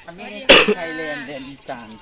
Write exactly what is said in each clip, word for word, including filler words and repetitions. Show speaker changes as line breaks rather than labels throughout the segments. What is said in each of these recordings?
อันนี้ไทยแลนด์แดนอีสาน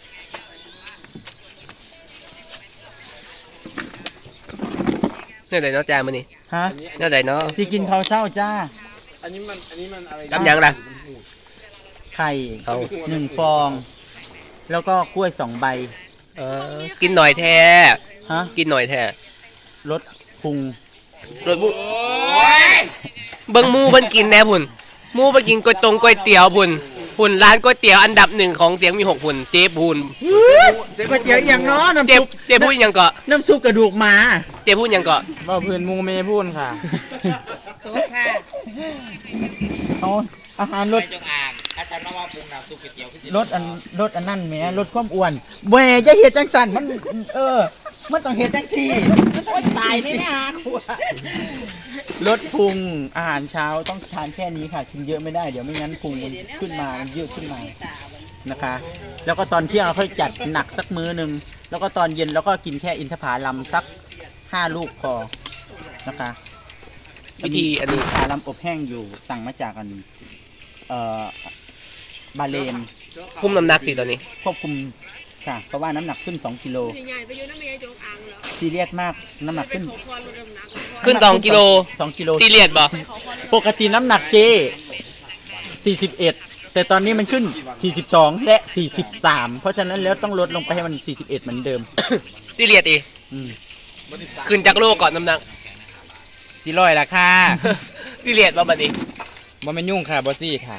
เนี่ยไหนเนาะจามันนี่
ฮะ
เนี่ยไหนเนาะ
ที่กินข้าวเช้าจ้า
อันนี้มันอันนี้มันอะไร
กับยังล่ะ
ไข่หนึ่งฟอง แล้วก็กล้วยสองใบ
เออกินหน่อยแท้
ฮะ
กินหน่อยแท้
รสพุง
รสบุเบิ้งมูเพิ่นกินแน่พุ่นมูเพิ่นกินก๋วยตงก๋วยเตี๋ยวพุ่นพุ่นร้านก๋วยเตี๋ยวอันดับหนึ่งของเสียงมีหกพุ่นเจ๊พุ่น
ก๋วยเตี๋ยวอย่างน้อน้ำ
เจ๊
ซุป
เจ๊พูดยังเกาะ
น้ำซุปกระดูกหมา
เจ๊พูดยังเกาะ
บ่เพื่อนมูเมย์พูดค่ะ
โต๊ะค่ะเอาอาหารรส
จงอ่างอาจารย์มาว่าปรุงน้ำซุปก๋วยเตี๋ยว
รสอันรสอันนั่นแหมรสความอ้วนแหวจะเฮ็ดจังสั่นมันเออมันต้องเฮ็ดจังซี่ตายแน่ๆฮะรสพุงอาหารเช้าต้องทานแค่นี้ค่ะกินเยอะไม่ได้เดี๋ยวไม่งั้นพุงมันขึ้นมามันเยอะขึ้นมานะคะแล้วก็ตอนเที่ยงเราค่อยจัดหนักสักมื้อนึงแล้วก็ตอนเย็นเราก็กินแค่อินทผลัมสักห้าลูกพอนะคะ
วิธีอันนี้
ผาลัมอบแห้งอยู่สั่งมาจากอันเอ่อบาเลน
คุมน้ำหนักติตอนนี้
ควบคุมค่ะเพราะว่าน้ำหนักขึ้นสองกิโลซีเรียสมากน้ำหนักขึ้น
ขึ้นสองกิโล
สองกิโล
ซีเรียสบ่
ปกติน้ำหนักเจสี่สิบเอ็ดแต่ตอนนี้มันขึ้นสี่สิบสองและสี่สิบสามเพราะฉะนั้นแล้วต้องลดลงไปให้มันสี่สิบเอ็ดเหมือนเดิม
ซีเรียสอีขึ้นจากโลก่อนน้ำหนัก
สี่ร้อยละค่ะ
ซีเรียสบ่บัดนี้
บ่แม่นยุ่งค่ะบ่ซี่ค่ะ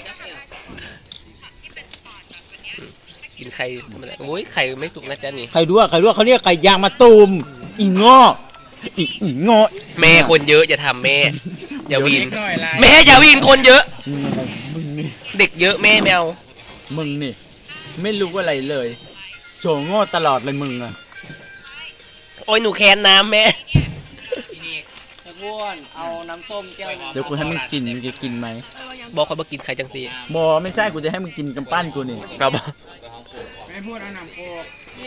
กินไข่ธรรมดาโอ้ยไข่ไม่สุกนะจ๊ะนี่
ไข่ด้วยไข่ด้วยเขาเรียกไก่ยางมะตูมอีงออีอีงอ
แม่คนเยอะอย่าทำแม่อย่าวีนแม่อย่าวีนคนเยอะเด็กเยอะแม่แมว
มึงนี่ไม่รู้อะไรเลยโฉงอตลอดเลยมึงอ่ะ
โอ้ยหนูแค้นน้ำแม่
บ้วนเอาน้ำส้มแก้ว
เดี๋ยวกูให้มึงกินมึงจะกินไหม
บอกเขาบอกกินไข่จังซี
บอไม่ใช่กูจะให้มึงกินกำปั้นกูนี่
ครับ
ไม่พูดเอาน้ำโคก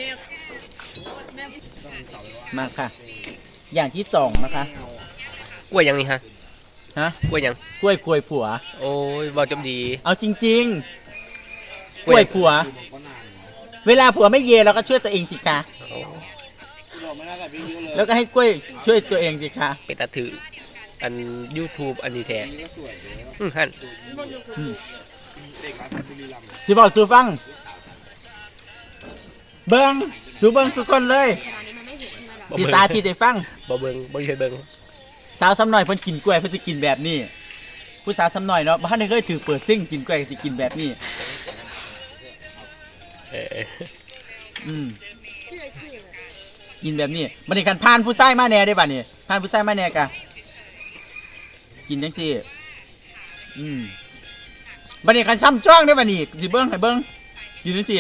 มาค่ะอย่างที่สองนะคะ
กล้วยยังนี่ฮะ
ฮะ
กล้วยยัง
กล้วยควยผัว
โอ้ยบอกจำดี
เอาจริงๆกล้วยผัวเวลาผัวไม่เยเราก็ช่วยตัวเองสิคะแล้วก็ให้กล้วยช่วยตัวเองสิคะ
เป็นตาถืออัน YouTube อันนี้แท้อืมฮั่น
สิบอกสูฟังเบิ้งสูเบิ้งสุกคนเลยสิตาที่ได้ฟัง
บ่เบิ้งบ่เคยเบิ้ง
สาวซ้ำหน่อยเพิ่นกินกล้วยเพิ่นสิกินแบบนี้ผู้สาวซ้ำหน่อยเนาะบ้านนี้เคยถือเปิดซิ่งกินกล้วยสิกินแบบนี้
เออ
อืมกินแบบนี้มันนี่กันพานผู้ชายมาแน่ได้ป่ะนี่พานผู้ชายมาแน่กะกินจังซี่อืมบัดนี้กันซ้ำจ้องได้ป่ะนี่สิเบิ่งให้เบิ่งกินจังซี่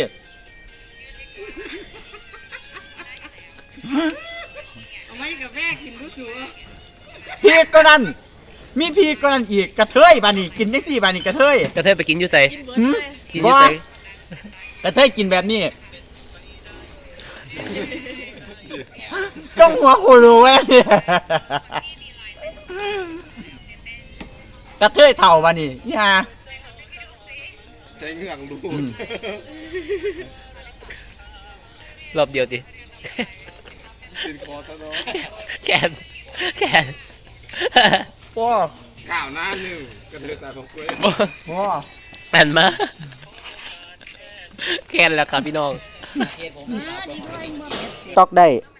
เอาไว้กับแม่กินรู้จัว
พีกก็นั่นมีพีกก็นั่นอีกกระเทยป่ะนี่กินจังซี่ป่ะนี่กระเทย
กระเทยไปกินอยู่ไส
กินอยู่ไสกระเทยกินแบบนี้ต้องหัวกูรู้เว้ยกระเทยเถ่าป่ะนี่ย่า
ใจเงื่องดู
รอบเดียวดิ
ติดคอซะเนาะ
แกนแกน
ว้า
ข่าวหน้าหนึ่งกระเทยตาของกล้วย
ว้า
แอนมาแกนแล้วครับพี่น้อง
ตอกได้